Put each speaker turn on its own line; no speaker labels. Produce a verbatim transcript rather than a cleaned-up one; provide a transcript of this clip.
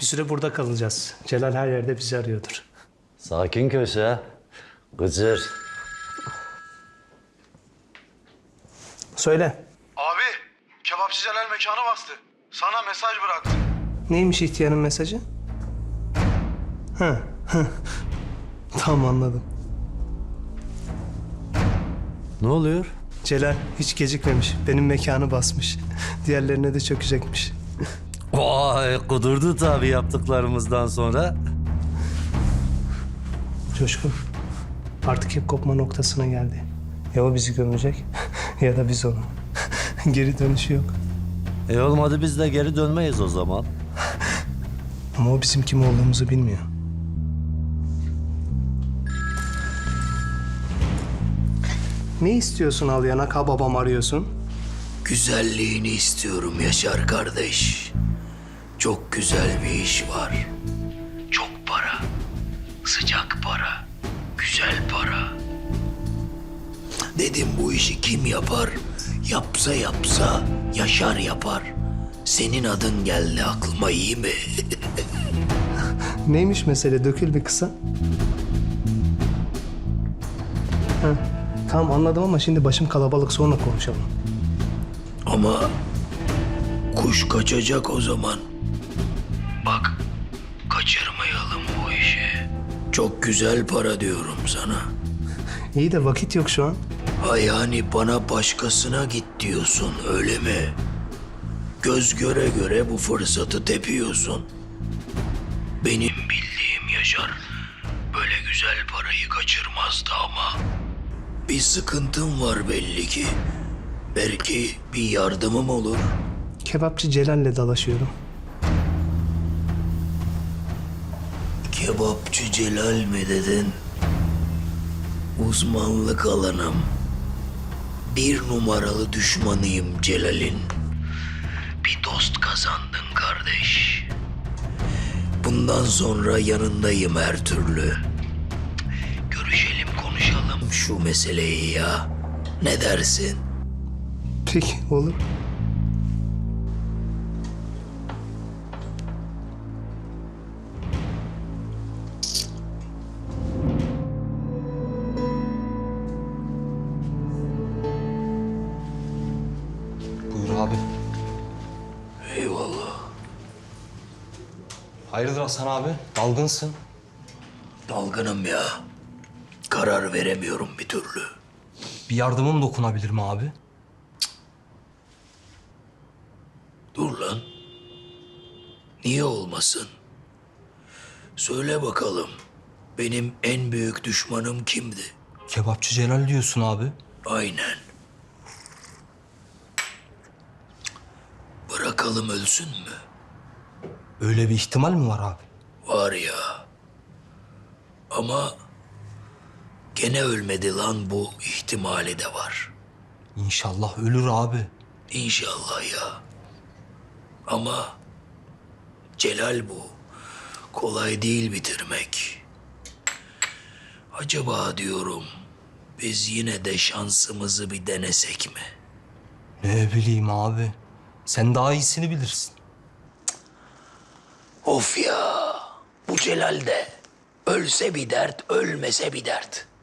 süre burada kalacağız. Celal her yerde bizi arıyordur.
Sakin köşe. Gıcır.
Söyle.
Abi, kebapçı Celal mekanı bastı. Sana mesaj bıraktı.
Neymiş ihtiyarın mesajı? Ha, ha. Tamam anladım.
Ne oluyor?
Celal hiç gecikmemiş. Benim mekanı basmış. Diğerlerine de çökecekmiş.
Vay kudurdu tabii yaptıklarımızdan sonra.
Coşkun, artık hep kopma noktasına geldi. Ya o bizi gömecek ya da biz onu. Geri dönüşü yok.
E olmadı biz de geri dönmeyiz o zaman.
Ama o bizim kim olduğumuzu bilmiyor. Ne istiyorsun al yanak ha babam arıyorsun?
Güzelliğini istiyorum Yaşar kardeş. Çok güzel bir iş var. Çok para. Sıcak para. Güzel para. Dedim bu işi kim yapar? Yapsa yapsa Yaşar yapar. Senin adın geldi aklıma, iyi mi?
Neymiş mesele, dökül bir kısa. Ha, tamam anladım ama şimdi başım kalabalık, sonra konuşalım.
Ama kuş kaçacak o zaman. Bak, kaçırmayalım bu işi. Çok güzel para diyorum sana.
İyi de vakit yok şu an.
Ha yani bana başkasına git diyorsun, öyle mi? Göz göre göre bu fırsatı tepiyorsun. Benim bildiğim Yaşar böyle güzel parayı kaçırmazdı ama. Bir sıkıntım var belli ki. Belki bir yardımım olur.
Kebapçı Celal'le dalaşıyorum.
Kebapçı Celal mi dedin? Uzmanlık alanım. Bir numaralı düşmanıyım Celal'in. Bir dost kazandın kardeş. Bundan sonra yanındayım her türlü. Görüşelim, konuşalım şu meseleyi ya. Ne dersin?
Peki olur.
Buyur abi.
Eyvallah.
Hayırdır Hasan abi? Dalgınsın.
Dalgınım ya. Karar veremiyorum bir türlü.
Bir yardımım dokunabilir mi abi?
Dur lan. Niye olmasın? Söyle bakalım. Benim en büyük düşmanım kimdi?
Kebapçı Celal diyorsun abi.
Aynen. Bırakalım ölsün mü?
Öyle bir ihtimal mi var abi?
Var ya. Ama gene ölmedi lan, bu ihtimali de var.
İnşallah ölür abi.
İnşallah ya. Ama Celal bu. Kolay değil bitirmek. Acaba diyorum biz yine de şansımızı bir denesek mi?
Ne bileyim abi. Sen daha iyisini bilirsin.
Of ya. Bu Celal de ölse bir dert, ölmese bir dert.